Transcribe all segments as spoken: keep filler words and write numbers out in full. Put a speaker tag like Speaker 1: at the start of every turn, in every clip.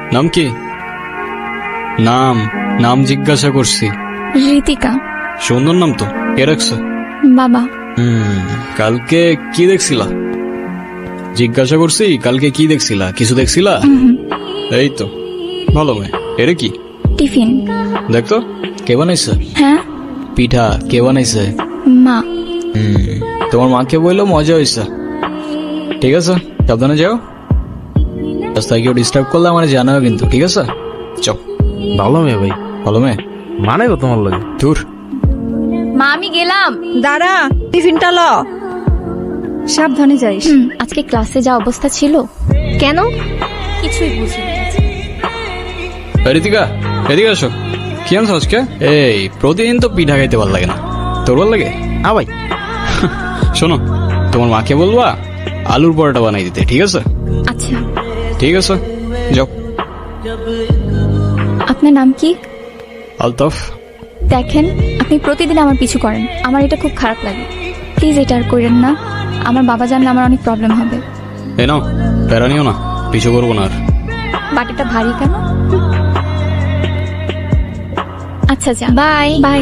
Speaker 1: নাম কি? নাম নাম জিজ্ঞাসা করছি।
Speaker 2: ঋতিকা।
Speaker 1: সুন্দর নাম তো, কে রাখছে?
Speaker 2: বাবা।
Speaker 1: হুম কালকে কি দেখছিলা? জিজ্ঞাসা করছি কালকে কি দেখছিলা? কিছু দেখছিলা? এই তো ভালো মেয়ে। এরে কি?
Speaker 2: টিফিন।
Speaker 1: দেখতো কে বানাইছে?
Speaker 2: হ্যাঁ
Speaker 1: পিঠা কে বানাইছে?
Speaker 2: মা।
Speaker 1: হুম তোমার মাকে বললো মজা হয়েছে। ঠিক আছে সাবধানে যাও, রাস্তায় কেউ ডিস্টার্ব করলে আমার জানাও কিন্তু, ঠিক আছে? চল।
Speaker 3: ভালো মেয়ে ভাই,
Speaker 1: ভালো মেয়ে
Speaker 3: মানে গো তোমার লাগে।
Speaker 1: দূর।
Speaker 2: মা আমি গেলাম।
Speaker 4: দাঁড়া, টিফিনটা ল, সাবধানে যাইস।
Speaker 2: হুম, আজকে ক্লাসে যা অবস্থা ছিল।
Speaker 4: কেন?
Speaker 2: কিছুই বুঝিনি।
Speaker 1: ঋতিকা এদিকে আসো। কি আনছো আজকে? এই প্রতিদিন তো পিঠা খাইতে ভালো লাগে না, তোর ভালো লাগে?
Speaker 3: হ্যাঁ ভাই।
Speaker 1: শোনো তোমার মাকে বলবা আলুর পরোটা বানাই দিতে, ঠিক আছে?
Speaker 2: আচ্ছা।
Speaker 1: ঠিক আছে যাও।
Speaker 2: আপনার নাম কি?
Speaker 1: আলতাফ।
Speaker 2: দেখেন আপনি প্রতিদিন আমার পিছু করেন, আমার এটা খুব খারাপ লাগে। প্লিজ এটা আর করেন না, আমার বাবা জানলে আমার অনেক প্রবলেম হবে।
Speaker 1: এ নাও প্যারা নিও না, পিছু করবো না আর।
Speaker 2: বাটিটা ভারী কেন? আচ্ছা যা, বাই বাই।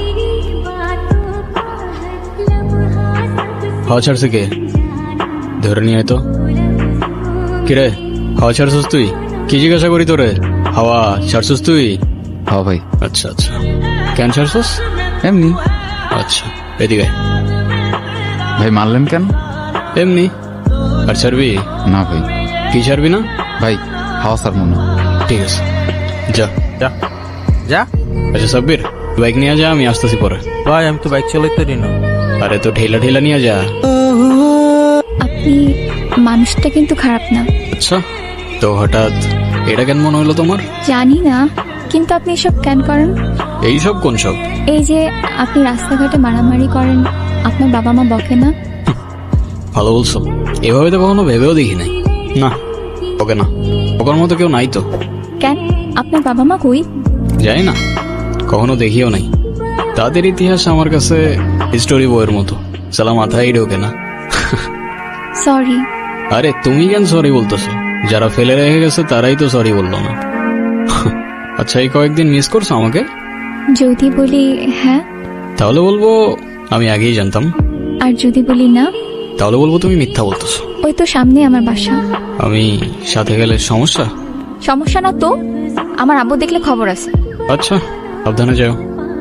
Speaker 1: হাওয়া ছাড়ছে কে? ধরে নিয়ে আয় তো। কিরে হাওয়া ছাড়ছিস তুই? কি জিজ্ঞাসা করি তোরে? হাওয়া ছাড়ছিস তুই?
Speaker 3: হ্যাঁ ভাই।
Speaker 1: আচ্ছা আচ্ছা কেন ছাড়ছিস?
Speaker 3: এমনি।
Speaker 1: আচ্ছা এদিকে আয়।
Speaker 3: ভাই মারলেন কেন?
Speaker 1: এমনি। আর ছাড়বি?
Speaker 3: না ভাই।
Speaker 1: কি ছাড়বি না?
Speaker 3: ভাই হাওয়া স্যার মনে।
Speaker 1: ঠিক আছে যা।
Speaker 3: যা যা।
Speaker 1: আচ্ছা সাব্বির বাইক নিয়ে যা, আমি আসতেছি পরে।
Speaker 3: ভাই আমি তো বাইক চালাইতে পারি না।
Speaker 1: আরে তো ঠেলা ঠেলা নিয়ে যা।
Speaker 2: আপনি মানুষটা কিন্তু খারাপ না।
Speaker 1: আচ্ছা তো হঠাৎ এটা কেন মনে হলো তোমার?
Speaker 2: জানি না, কিন্তু আপনি এসব কেন করেন?
Speaker 1: এই সব কোন সব?
Speaker 2: এই যে আপনি রাস্তাঘাটে মারামারি করেন, আপনার বাবা মা বকে না?
Speaker 1: ভালো বলছো, এভাবে তো কখনো ভেবেও দেখি নাই। না ওকে না, ওকার মতো কেউ নাই তো।
Speaker 2: কেন, আপনার বাবা মা কই?
Speaker 1: জানি না, কখনো দেখিও নাই। তাদের ইতিহাস আমার কাছে স্টোরি বইয়ের মতো, সালা মাথায় ঢোকে না।
Speaker 2: সরি।
Speaker 1: আরে তুমি কেন সরি বলতেছো? যারা ফেলে রেখে গেছে তারাই তো সরি বললো না। আচ্ছা এই কয়েকদিন মিস করছো আমাকে?
Speaker 2: যদি বলি হ্যাঁ,
Speaker 1: তাহলে বলবো আমি আগেই জানতাম।
Speaker 2: আর যদি বলি না,
Speaker 1: তাহলে বলবো তুমি মিথ্যা বলতেছো।
Speaker 2: ওই তো সামনে আমার বাসা।
Speaker 1: আমি সাথে গেলে সমস্যা?
Speaker 2: সমস্যা না তো, আমার আব্বু দেখলে খবর আছে।
Speaker 1: আচ্ছা সাবধানে যাও।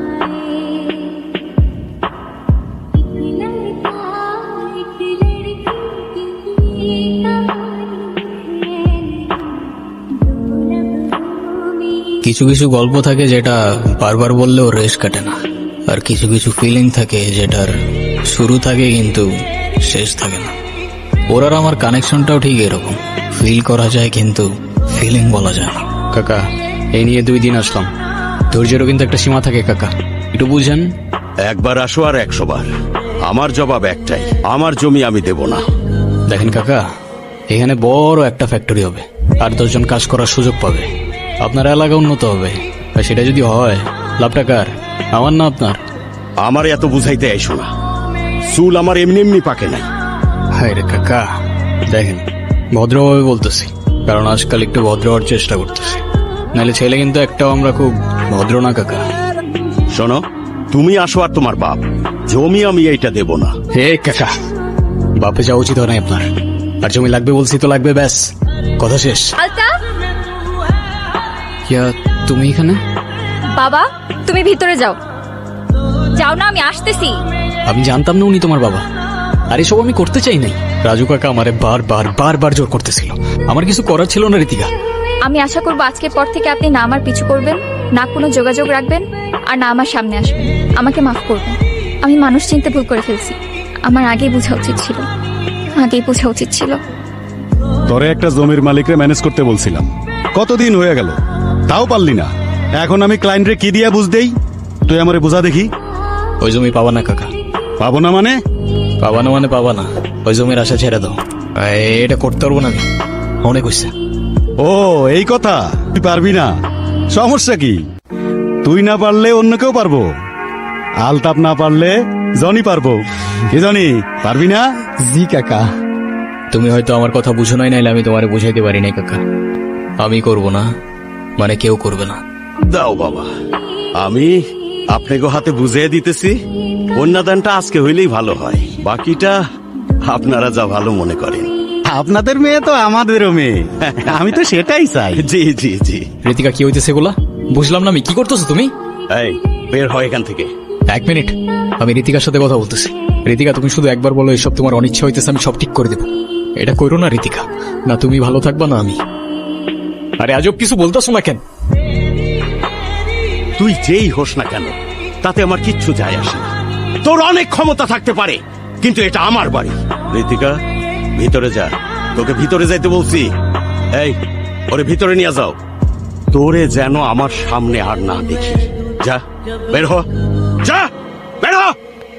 Speaker 1: কিছু কিছু গল্প থাকে যেটা বারবার বললেও রেশ কাটে না, আর কিছু কিছু ফিলিং থাকে যেটার শুরু থাকে কিন্তু শেষ থাকে না। ওর আর আমার কানেকশনটাও ঠিক এরকম, ফিল করা যায় কিন্তু ফিলিং বলা যায় না। কাকা এই নিয়ে দুই দিন আসলাম, ধৈর্যেরও কিন্তু একটা সীমা থাকে কাকা, একটু বুঝেন।
Speaker 5: একবার আসো আর একশো বার, আমার জবাব একটাই, আমার জমি আমি দেব না।
Speaker 1: দেখেন কাকা, এখানে বড় একটা ফ্যাক্টরি হবে, আর দশজন কাজ করার সুযোগ পাবে, আপনার এলাকা উন্নত হবে। আর সেটা যদি হয় লাভটা কার? আমার না আপনার?
Speaker 5: আমার এত বুঝাইতে আইসো না, চুল আমার এমনি এমনি পাকে নাই।
Speaker 1: হায় রে কাকা, দেখেন ভদ্রভাবে বলতেছি, কারণ আজকাল একটু ভদ্র হওয়ার চেষ্টা করতেছি, নাহলে ছেলে কিন্তু একটাও আমরা খুব ভদ্র না কাকা।
Speaker 5: শোনো, তুমি আসো আর তোমার বাপ, জমি আমি এইটা দেব না।
Speaker 1: হে কাকা, বাপে যাওয়া উচিত হয় না আপনার, আর জমি লাগবে বলছি তো লাগবে, ব্যাস কথা শেষ।
Speaker 2: আলতাফ
Speaker 1: কিয়া তুমি এখানে?
Speaker 2: বাবা তুমি ভিতরে যাও। যাও না, আমি আসতেছি।
Speaker 1: আমি জানতাম না উনি তোমার বাবা, আর এসব আমি করতে চাই নাই। রাজু কাকা আমারে বারবার বারবার জোর করতেছিল, আমার কিছু করার ছিল না ঋতিকা।
Speaker 2: আমি আশা করবো আজকের পর থেকে আপনি না আমার পিছু করবেন, না কোনো যোগাযোগ রাখবেন, আর না আমার সামনে আসবেন। আমাকে মাফ করবেন, আমি মানুষ চিনতে ভুল করে ফেলছি। আমার আগেই বোঝা উচিত ছিল, আগেই বোঝা উচিত ছিল।
Speaker 6: তোরে একটা জমির মালিকরে ম্যানেজ করতে বলছিলাম, কতদিন হয়ে গেল, তাও পারলি না। এখন আমি ক্লায়েন্টরে কি দিয়া বুঝ দেই? তুই আমারে বুঝা দেখি।
Speaker 1: ওই জমি পাবা না কাকা।
Speaker 6: পাবো না মানে?
Speaker 1: পাবা না মানে পাবা না, ওই জমির আশা ছেড়ে দাও। এটা করতে পারবো না আমি, অনেক হয়েছে।
Speaker 6: ও এই কথা, তুই পারবি না? সমস্যা কি? তুই না পারলে অন্য কেউ পারবো, আলতাপ না পারলে জনি পারবো। কি জনি, পারবি না?
Speaker 1: জি কাকা। তুমি হয়তো আমার কথা বুঝো নাই, নাইলে আমি তোমারে বুঝাইতে পারি নাই কাকা। আমি করব না, মানে কেউ করবে না।
Speaker 5: দাও বাবা, আমি আপনাকে হাতে বুঝিয়ে দিতেছি। কন্যাদানটা আজকে হইলেই ভালো হয়, বাকিটা আপনারা যা ভালো মনে করেন।
Speaker 6: আপনাদের মেয়ে তো আমাদেরও মেয়ে, আমি তো সেটাই চাই।
Speaker 5: জি জি জি।
Speaker 1: ঋতিকা, কি হইতেছে এগুলা? বুঝলাম না আমি, কি করতেছো তুমি?
Speaker 5: এই বের হয় এখান থেকে।
Speaker 1: এক মিনিট, আমি ঋতিকার সাথে কথা বলতেছি। ঋতিকা, তুমি শুধু একবার বলো এসব তোমার অনিচ্ছা হইতেছে, আমি সব ঠিক করে দেবো। এটা করো না ঋতিকা, না তুমি ভালো থাকবা না আমি। আরে আজব কিছু বলতেছো না কেন?
Speaker 5: তুই যেই হোস না কেন তাতে আমার কিচ্ছু যায় আসে না। তোর অনেক ক্ষমতা থাকতে পারে, কিন্তু এটা আমার বাড়ি। ঋতিকা, ভিতরে যা, তোকে ভিতরে যাইতে বলছি। এই, ওরে ভিতরে নিয়ে যাও। তোরে যেন আমার সামনে আর না দেখি। যা, বের হ, যা, বের হ।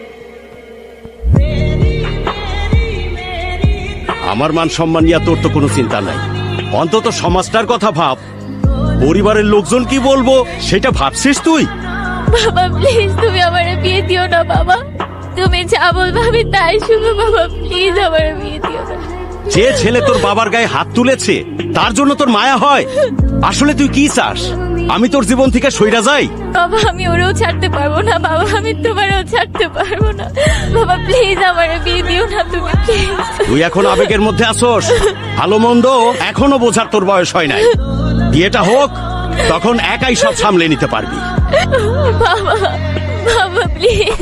Speaker 5: আমার মান সম্মান নিয়ে তোর তো কোনো চিন্তা নাই, অন্তত সমাজটার কথা ভাব। পরিবারের লোকজন কি বলবো সেটা ভাবছিস তুই?
Speaker 2: বাবা প্লিজ, তুমি আমার বিয়ে দিও না বাবা। তুমি যা বলবে আমি তাই শুনো বাবা, প্লিজ আমার বিয়ে দিও না।
Speaker 5: যে ছেলে তোর বাবার গায়ে হাত তুলেছে তার জন্য তোর মায়া হয়? আসলে তুই কি চাস, আমি তোর জীবন থেকে সইরা যাই?
Speaker 2: বাবা আমি ওরেও ছাড়তে পারবো না বাবা, আমি তোমারও ছাড়তে পারবো না বাবা, প্লিজ আমার বিয়ে দিও না তুমি, প্লিজ।
Speaker 5: তুই এখন আবেগের মধ্যে আসোস, ভালো মন্দ এখনো বোঝার তোর বয়স হয় নাই। বিয়েটা হোক, তখন একাই সব সামলে নিতে পারবি।
Speaker 2: বাবা, বাবা প্লিজ।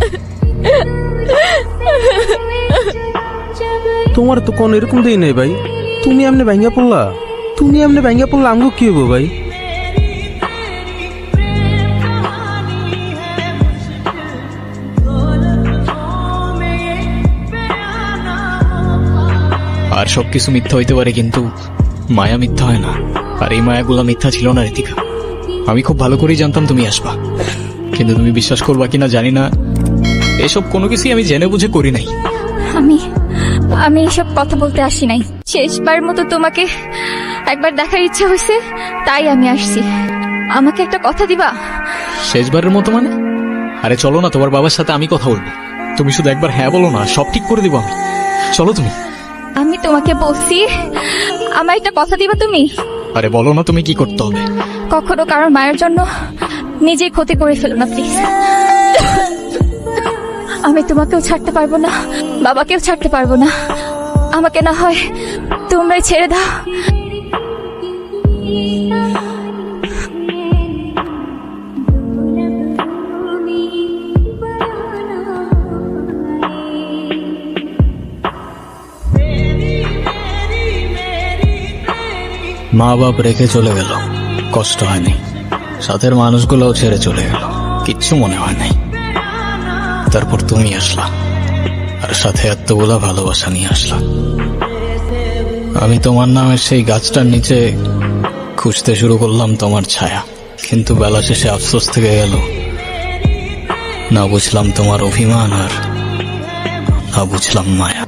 Speaker 7: তোমার তো কোন এরকম দেই নাই ভাই, তুমি এমনি ভাঙ্গা পড়লা, তুমি এমনি ভাঙ্গা পড়লা আমগো কি হইব ভাই?
Speaker 1: আর সবকিছু মিথ্যা হইতে পারে, কিন্তু মায়া মিথ্যা হয় না। আর এই মায়াগুলা মিথ্যা ছিল না ঋতিকা। আমি খুব ভালো করেই জানতাম তুমি আসবা, কিন্তু তুমি বিশ্বাস করবা কিনা জানি না, এসব কোনো কিছুই আমি জেনে বুঝে করি নাই।
Speaker 2: আমি আমি এসব কথা বলতে আসি নাই, শেষবার মতো তোমাকে একবার দেখার ইচ্ছা হয়েছে, তাই আমি আসছি। আমাকে একটা কথা দিবা?
Speaker 1: শেষবারের মতো মানে? আরে চলো না, তোমার বাবার সাথে আমি কথা বলবো। তুমি শুধু একবার হ্যাঁ বলো না, সব ঠিক করে দিব আমি। চলো তুমি।
Speaker 2: আমি তোমাকে বলছি, আমার একটা কথা দিবা তুমি?
Speaker 1: আরে বলো না তুমি কি করতে হবে।
Speaker 2: কখনো কারোর মায়ের জন্য নিজেই ক্ষতি করে ফেলো না প্লিজ। আমি তোমাকেও ছাড়তে পারবো না, বাবাকেও ছাড়তে পারবো না। আমাকে না হয় তোমরাই ছেড়ে দাও।
Speaker 1: মা বাপ রেখে চলে গেল, কষ্ট হয়নি। সাথের মানুষগুলোও ছেড়ে চলে গেল, কিচ্ছু মনে হয় নাই। তারপর তুমি আসলা, আর সাথে এতগুলা ভালোবাসা নিয়ে আসলা। আমি তোমার নামের সেই গাছটার নিচে খুঁজতে শুরু করলাম তোমার ছায়া, কিন্তু বেলা শেষে আফসোস থেকে গেল। না বুঝলাম তোমার অভিমান, আর না বুঝলাম মায়া।